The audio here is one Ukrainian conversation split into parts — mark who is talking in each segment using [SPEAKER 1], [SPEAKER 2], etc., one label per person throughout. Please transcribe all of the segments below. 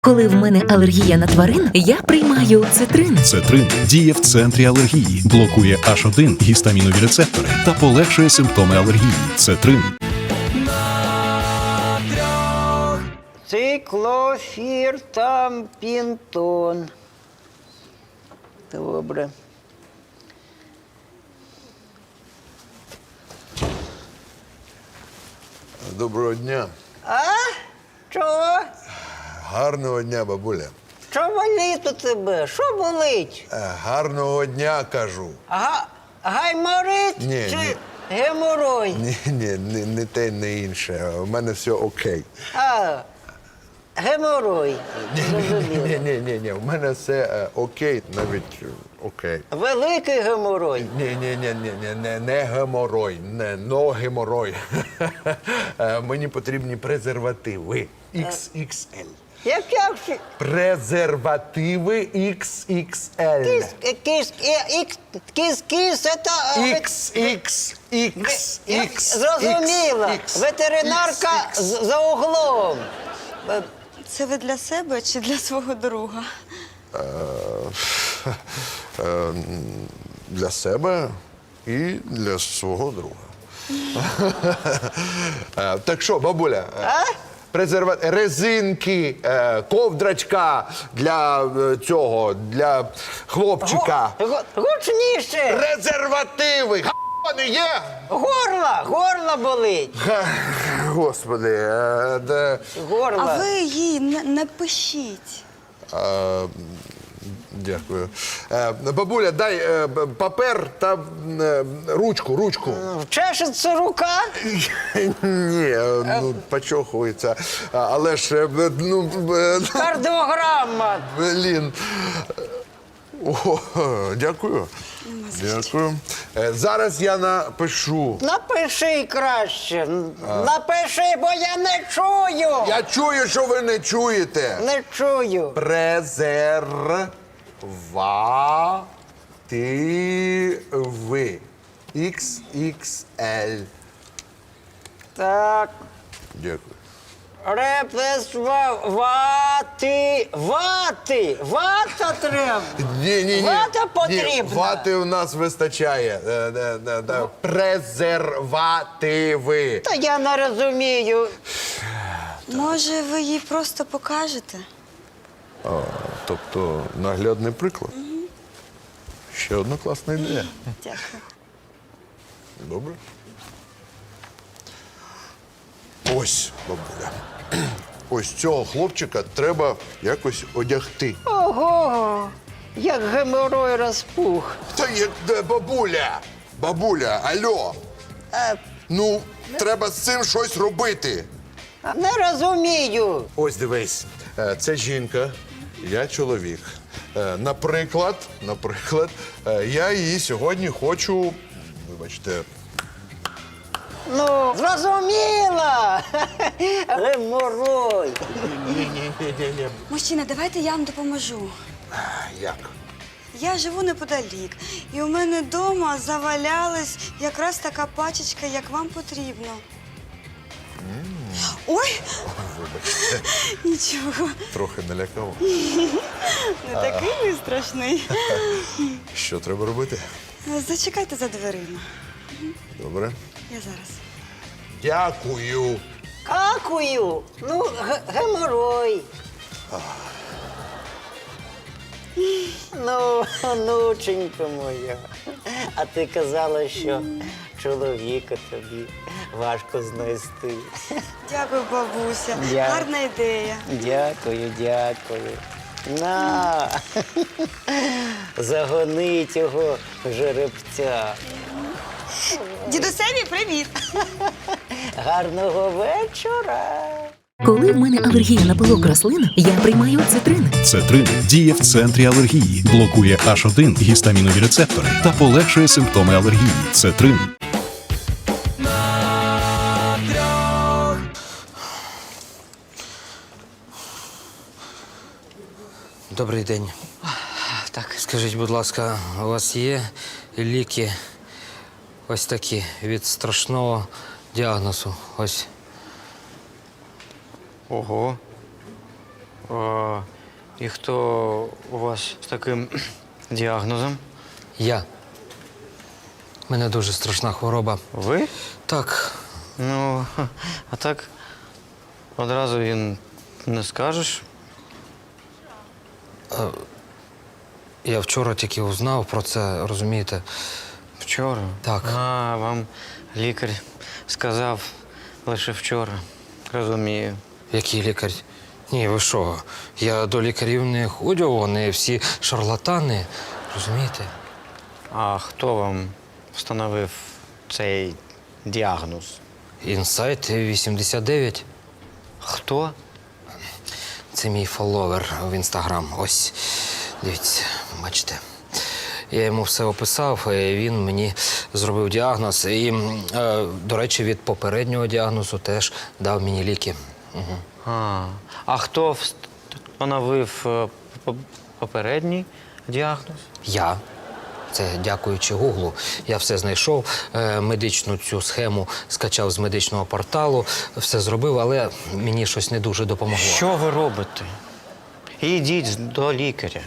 [SPEAKER 1] Коли в мене алергія на тварин, я приймаю цитрин.
[SPEAKER 2] Цетрин діє в центрі алергії, блокує H1 гістамінові рецептори та полегшує симптоми алергії. Цетрин.
[SPEAKER 3] Циклофіртампінтон. Добре.
[SPEAKER 4] Доброго дня.
[SPEAKER 3] А? Чого?
[SPEAKER 4] Гарного дня, бабуля.
[SPEAKER 3] Що болить у тебе? Що болить?
[SPEAKER 4] Гарного дня, кажу.
[SPEAKER 3] Гайморит
[SPEAKER 4] Ні,
[SPEAKER 3] чи
[SPEAKER 4] ні.
[SPEAKER 3] геморой?
[SPEAKER 4] Ні, не те, не інше. У мене все окей.
[SPEAKER 3] Геморой. Зрозуміло.
[SPEAKER 4] Ні, у мене все окей, навіть окей.
[SPEAKER 3] Великий геморой.
[SPEAKER 4] Ні, не геморой, но геморой. Мені потрібні презервативи XXL.
[SPEAKER 3] Як всі?
[SPEAKER 4] Презервативи XXL.
[SPEAKER 3] Кіс, це...
[SPEAKER 4] XXX.
[SPEAKER 3] Зрозуміло. Ветеринарка за углом.
[SPEAKER 5] Це ви для себе чи для свого друга?
[SPEAKER 4] Для себе і для свого друга. Так що, бабуля, резинки, ковдрачка для цього, для хлопчика.
[SPEAKER 3] Гучніше.
[SPEAKER 4] Презервативи! Вони є!
[SPEAKER 3] Горло болить.
[SPEAKER 4] Господи,
[SPEAKER 3] Горло.
[SPEAKER 5] А ви їй не пишіть.
[SPEAKER 4] Дякую. Бабуля, дай папер та ручку.
[SPEAKER 3] Чешеться рука?
[SPEAKER 4] Ні, почохується. Але ж,
[SPEAKER 3] Кардіограма.
[SPEAKER 4] блін. О, дякую. Дякую. Зараз я напишу.
[SPEAKER 3] Напиши краще. Напиши, бо я не чую.
[SPEAKER 4] Я чую, що ви не чуєте.
[SPEAKER 3] Не чую.
[SPEAKER 4] Презервативи. XXL.
[SPEAKER 3] Так.
[SPEAKER 4] Дякую.
[SPEAKER 3] Вата треба.
[SPEAKER 4] Ні.
[SPEAKER 3] Вата потрібна.
[SPEAKER 4] Ні, вати у нас вистачає. Презервативи.
[SPEAKER 3] Та я не розумію.
[SPEAKER 5] Може, ви їй просто покажете?
[SPEAKER 4] Тобто наглядний приклад. Ще одна класна ідея.
[SPEAKER 5] Дякую.
[SPEAKER 4] Добре. Ось, бабуля. Ось цього хлопчика треба якось одягти.
[SPEAKER 3] Ого, як геморой розпух.
[SPEAKER 4] Та як бабуля! Бабуля, алло! Ну, треба з цим щось робити.
[SPEAKER 3] Не розумію.
[SPEAKER 4] Ось дивись, це жінка, я чоловік. Наприклад, я її сьогодні хочу, вибачте,
[SPEAKER 3] Ну, зрозуміла. Геморой.
[SPEAKER 4] ні.
[SPEAKER 5] Мужчина, давайте я вам допоможу.
[SPEAKER 4] Як?
[SPEAKER 5] Я живу неподалік, і у мене вдома завалялась якраз така пачечка, як вам потрібно. Ой!
[SPEAKER 4] Вибачте,
[SPEAKER 5] Нічого,
[SPEAKER 4] трохи налякав.
[SPEAKER 5] не такий ви страшний.
[SPEAKER 4] Що треба робити?
[SPEAKER 5] Зачекайте за дверима.
[SPEAKER 4] Добре.
[SPEAKER 5] Я зараз.
[SPEAKER 4] Дякую.
[SPEAKER 3] Какую? Ну, геморой. Ну, онученька моя. А ти казала, що чоловіка тобі важко знайти.
[SPEAKER 5] Дякую, бабуся.
[SPEAKER 3] Дякую.
[SPEAKER 5] Гарна ідея.
[SPEAKER 3] Дякую. На, загони цього жеребця.
[SPEAKER 5] Дідусеві, привіт!
[SPEAKER 3] Гарного вечора.
[SPEAKER 1] Коли в мене алергія на пилок рослин, я приймаю цитрин.
[SPEAKER 2] Цетрин діє в центрі алергії, блокує H1 гістамінові рецептори та полегшує симптоми алергії. Цетрин.
[SPEAKER 6] Добрий день.
[SPEAKER 3] Так.
[SPEAKER 6] Скажіть, будь ласка, у вас є ліки ось такі від страшного діагнозу? Ось.
[SPEAKER 7] Ого.
[SPEAKER 6] І хто у вас з таким діагнозом? Я. У мене дуже страшна хвороба. Ви? Так. Ну, а так одразу він не скажеш. Я вчора тільки узнав про це, розумієте? Вчора? Так. А, вам лікар сказав лише вчора. Розумію. Який лікар? Ні, ви що? Я до лікарів не ходжу, вони всі шарлатани. Розумієте? А хто вам встановив цей діагноз? Інсайт 89. Хто? Це мій фоловер в Інстаграм. Ось, дивіться, бачите. Я йому все описав, і він мені зробив діагноз. І, до речі, від попереднього діагнозу теж дав мені ліки. Угу. А хто встановив попередній діагноз? Я. Це дякуючи Гуглу. Я все знайшов, медичну цю схему скачав з медичного порталу, все зробив, але мені щось не дуже допомогло. Що ви робите? Ідіть до лікаря,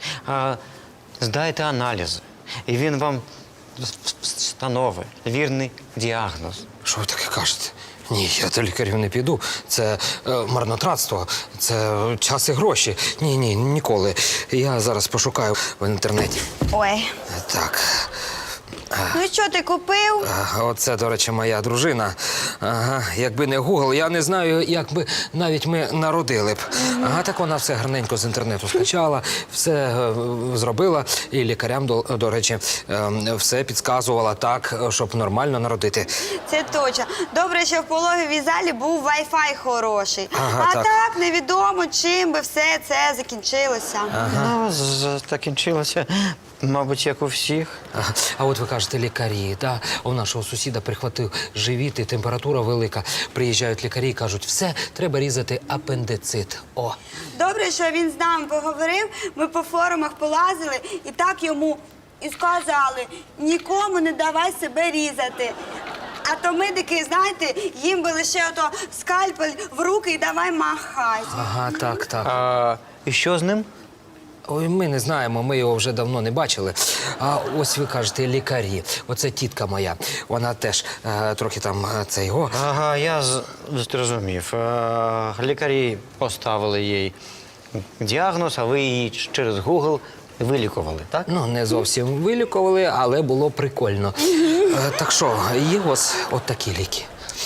[SPEAKER 6] здайте аналізи, і він вам встановить вірний діагноз. Що ви таке кажете? Ні, я до лікарів не піду. Це марнотратство, це час і гроші. Ні, ніколи. Я зараз пошукаю в інтернеті.
[SPEAKER 5] Ой.
[SPEAKER 6] Так.
[SPEAKER 5] Ну що ти купив?
[SPEAKER 6] Оце, до речі, моя дружина. Ага, якби не Google, я не знаю, як би навіть ми народили б. Ага, так вона все гарненько з інтернету скачала, все зробила. І лікарям, до речі, все підказувала так, щоб нормально народити.
[SPEAKER 5] Це точно. Добре, що в пологовій залі був Wi-Fi хороший.
[SPEAKER 6] Ага,
[SPEAKER 5] а
[SPEAKER 6] так.
[SPEAKER 5] невідомо, чим би все це закінчилося.
[SPEAKER 6] Ну, закінчилося, мабуть, як у всіх. А от ви кажете, лікарі, да? У нашого сусіда прихватив живіт і температура велика. Приїжджають лікарі і кажуть, все, треба різати апендицит. О.
[SPEAKER 5] Добре, що він з нами поговорив, ми по форумах полазили і так йому і сказали, нікому не давай себе різати. А то медики, знаєте, їм би лише ото скальпель в руки і давай махай.
[SPEAKER 6] Ага, так. І що з ним? Ой, ми не знаємо, ми його вже давно не бачили. А ось ви кажете, лікарі. Оце тітка моя. Вона теж трохи там це його. Ага, я зрозумів. Лікарі поставили їй діагноз, а ви її через Google вилікували, так? Ну, не зовсім вилікували, але було прикольно. Так що, є ось от такі ліки.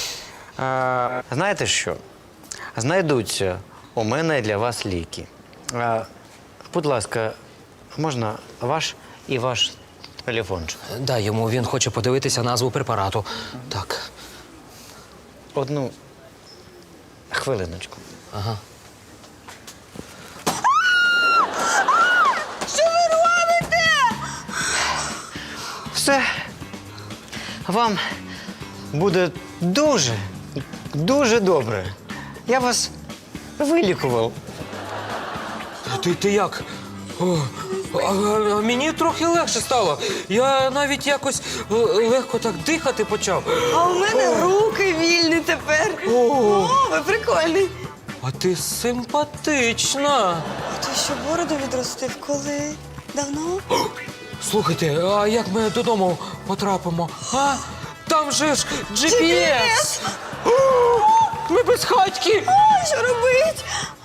[SPEAKER 6] Знаєте що? Знайдуться у мене для вас ліки. Будь ласка, можна ваш і ваш телефончик? Дай йому, він хоче подивитися назву препарату. Так. Одну хвилиночку. Ага.
[SPEAKER 5] Що ви робите?
[SPEAKER 6] Все. Вам буде дуже, дуже добре. Я вас вилікував. Ти як? Мені трохи легше стало. Я навіть якось легко так дихати почав.
[SPEAKER 5] А у мене руки вільні тепер. О, ви прикольний.
[SPEAKER 6] А ти симпатична.
[SPEAKER 5] А ти що, бороду відростив? Коли? Давно?
[SPEAKER 6] Слухайте, а як ми додому потрапимо? А? Там же ж GPS! Ми без хатьки!
[SPEAKER 5] О, що робить?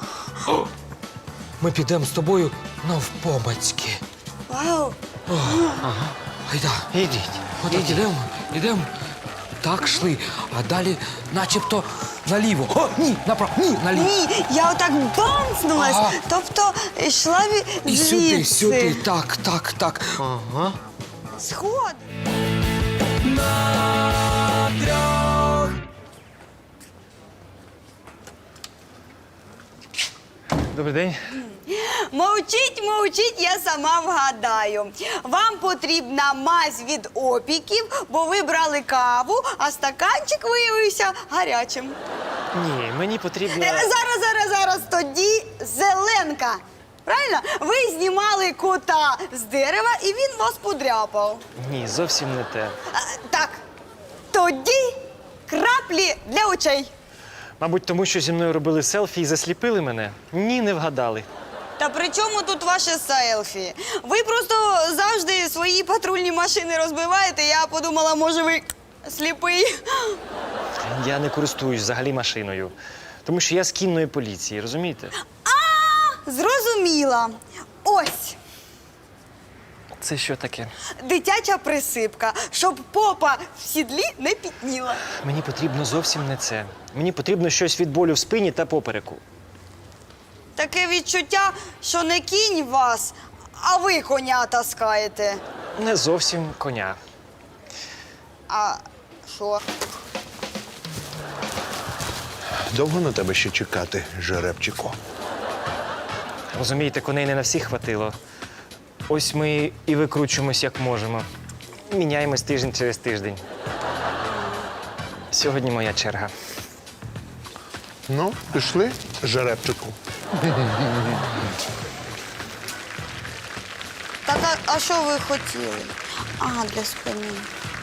[SPEAKER 6] Ми підемо з тобою навпомацьки.
[SPEAKER 5] Вау.
[SPEAKER 6] Ага. Айда. Ідіть. Отак ідемо. Так йшли, а далі начебто наліво. О, ні, направо, ні, наліво.
[SPEAKER 5] Ні, я отак бамснулась.
[SPEAKER 6] Ага.
[SPEAKER 5] Тобто йшла
[SPEAKER 6] І
[SPEAKER 5] звідси.
[SPEAKER 6] сюди, так. Ага.
[SPEAKER 5] Сход.
[SPEAKER 6] Добрий день.
[SPEAKER 5] Мовчіть, я сама вгадаю. Вам потрібна мазь від опіків, бо ви брали каву, а стаканчик виявився гарячим.
[SPEAKER 7] Ні, мені потрібно...
[SPEAKER 5] Зараз, тоді зеленка. Правильно? Ви знімали кота з дерева, і він вас подряпав.
[SPEAKER 7] Ні, зовсім не те.
[SPEAKER 5] Так, тоді краплі для очей.
[SPEAKER 7] Мабуть, тому що зі мною робили селфі і засліпили мене? Ні, не вгадали.
[SPEAKER 5] Та при чому тут ваше селфі? Ви просто завжди свої патрульні машини розбиваєте. Я подумала, може, ви сліпий.
[SPEAKER 7] Я не користуюсь взагалі машиною. Тому що я з кінної поліції, розумієте?
[SPEAKER 5] Зрозуміла. Ось
[SPEAKER 7] Це що таке?
[SPEAKER 5] дитяча присипка, щоб попа в сідлі не пітніла.
[SPEAKER 7] Мені потрібно зовсім не це. Мені потрібно щось від болю в спині та попереку.
[SPEAKER 5] Таке відчуття, що не кінь вас, а ви коня таскаєте.
[SPEAKER 7] Не зовсім коня.
[SPEAKER 5] А що?
[SPEAKER 4] Довго на тебе ще чекати, жеребчику?
[SPEAKER 7] Розумієте, коней не на всіх хватило. Ось ми і викручуємось, як можемо. Міняємось тиждень через тиждень. Сьогодні моя черга.
[SPEAKER 4] Ну, пішли, жеребчику.
[SPEAKER 5] Так, а що ви хотіли? Ага, для спини.